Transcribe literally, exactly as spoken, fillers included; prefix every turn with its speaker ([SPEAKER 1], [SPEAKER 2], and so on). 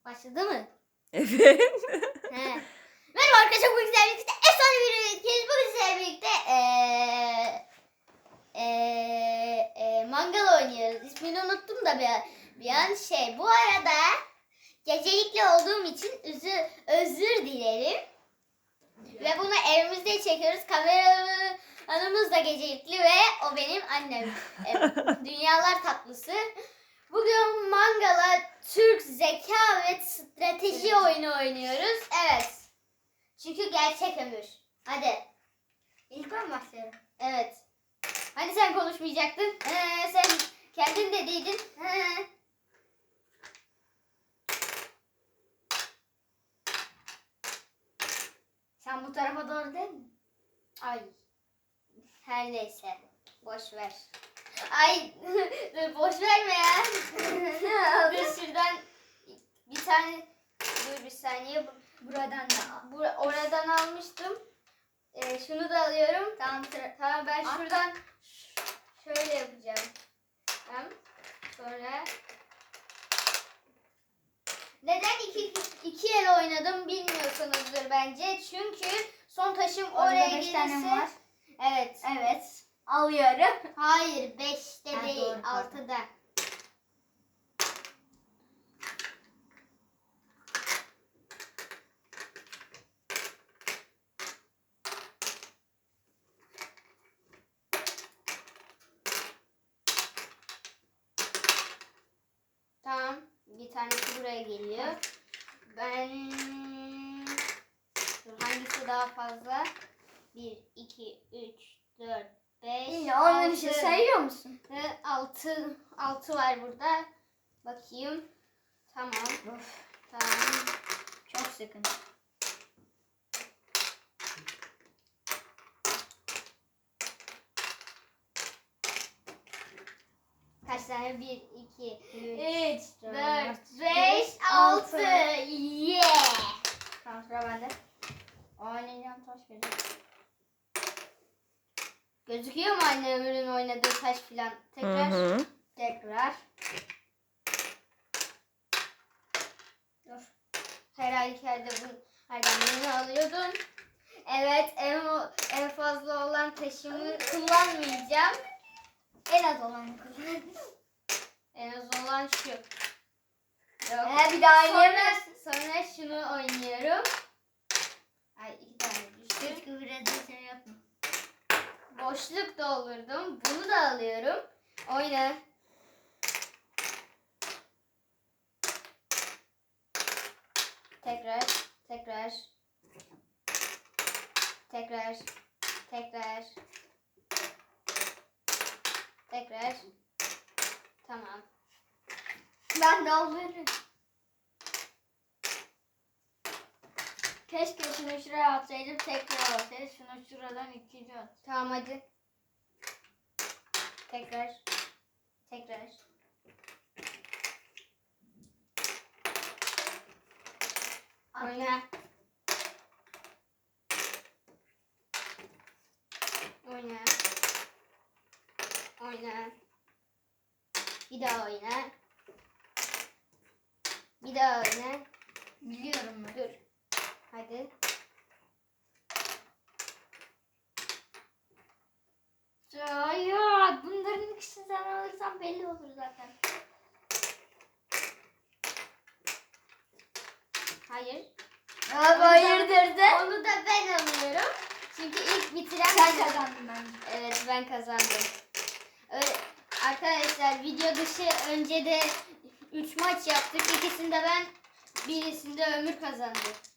[SPEAKER 1] Başladı mı?
[SPEAKER 2] Evet.
[SPEAKER 1] He. Merhaba arkadaşlar, bugün sizlerle birlikte efsane bir ülkeyiz. Bugün sizlerle birlikte ee, ee, ee, mangal oynuyoruz. İsmini unuttum da bir, bir an şey. Bu arada gecelikli olduğum için özür, özür dilerim. Ve bunu evimizde çekiyoruz. Kameramız da gecelikli ve o benim annem. Evet, dünyalar tatlısı. Bugün mangala Türk zeka ve strateji evet. oyunu oynuyoruz. Evet. Çünkü gerçek ömür. Hadi. İlk ben başlıyorum. Evet. Hani sen konuşmayacaktın? Ee, sen kendin dediydin. He. Sen bu tarafa doğru değil mi? Ay. Her neyse. Boş ver. Ay. Dur boş verme ya. Dur şuradan bir tane. Dur bir saniye. Buradan da. Bur oradan almıştım. Ee, şunu da alıyorum. Tamam. Tamam ben At. şuradan şöyle yapacağım. Tamam. Sonra. Neden iki, iki el oynadım bilmiyorsunuzdur bence. Çünkü son taşım orada oraya gelirse. Var. Evet.
[SPEAKER 2] Evet. Alıyorum.
[SPEAKER 1] Hayır, beşte ha, değil, doğru, altıda. Tamam, bir tanesi buraya geliyor. Ben hangisi daha fazla? Bir, iki, üç, dört, beş,
[SPEAKER 2] İyi, onları bir şey sayıyor musun?
[SPEAKER 1] altı, altı var burada. Bakayım. Tamam. Of. Tamam.
[SPEAKER 2] Çok sıkın.
[SPEAKER 1] Kaç tane? bir, iki, üç, dört, beş, altı. Yeah!
[SPEAKER 2] Tamam, sıra bende. Oynayacağım taş vereceğim.
[SPEAKER 1] Gözüküyor mu anne ömrün oynadığı taş filan? Tekrar.
[SPEAKER 2] Hı hı.
[SPEAKER 1] Tekrar. Dur. Her halükarda bu herden birini alıyordum. Evet, en, en fazla olan taşımı kullanmayacağım.
[SPEAKER 2] En az olanı kullanacağım.
[SPEAKER 1] En az olan şu. Yok.
[SPEAKER 2] Ee, bir daha oynayamaz.
[SPEAKER 1] Sonra, sonra şunu oynuyorum. Ay iki tane düştü.
[SPEAKER 2] Hiç kıvıracağım seni yapma.
[SPEAKER 1] Boşluk doldurdum. Bunu da alıyorum. Oyna. Tekrar. Tekrar. Tekrar. Tekrar. Tekrar. Tamam.
[SPEAKER 2] Ben de alıyorum. Keşke şunu şuraya atsaydım, tekrar atsaydım. Şunu şuradan ikinci at.
[SPEAKER 1] Tamam hadi. Tekrar. Tekrar. Oyna. Oyna. Oyna. Bir daha oyna. Bir daha oyna.
[SPEAKER 2] Biliyorum ben.
[SPEAKER 1] Dur. Hadi.
[SPEAKER 2] Hayır. Bunların ikisini sen alırsan belli olur zaten.
[SPEAKER 1] Hayır.
[SPEAKER 2] Abi hayırdır de.
[SPEAKER 1] Onu da ben alıyorum. Çünkü ilk bitiren
[SPEAKER 2] Sen kazandın bence.
[SPEAKER 1] Evet, ben kazandım. Öyle, arkadaşlar video dışı önce de üç maç yaptık. İkisinde ben, birisinde Ömür kazandı.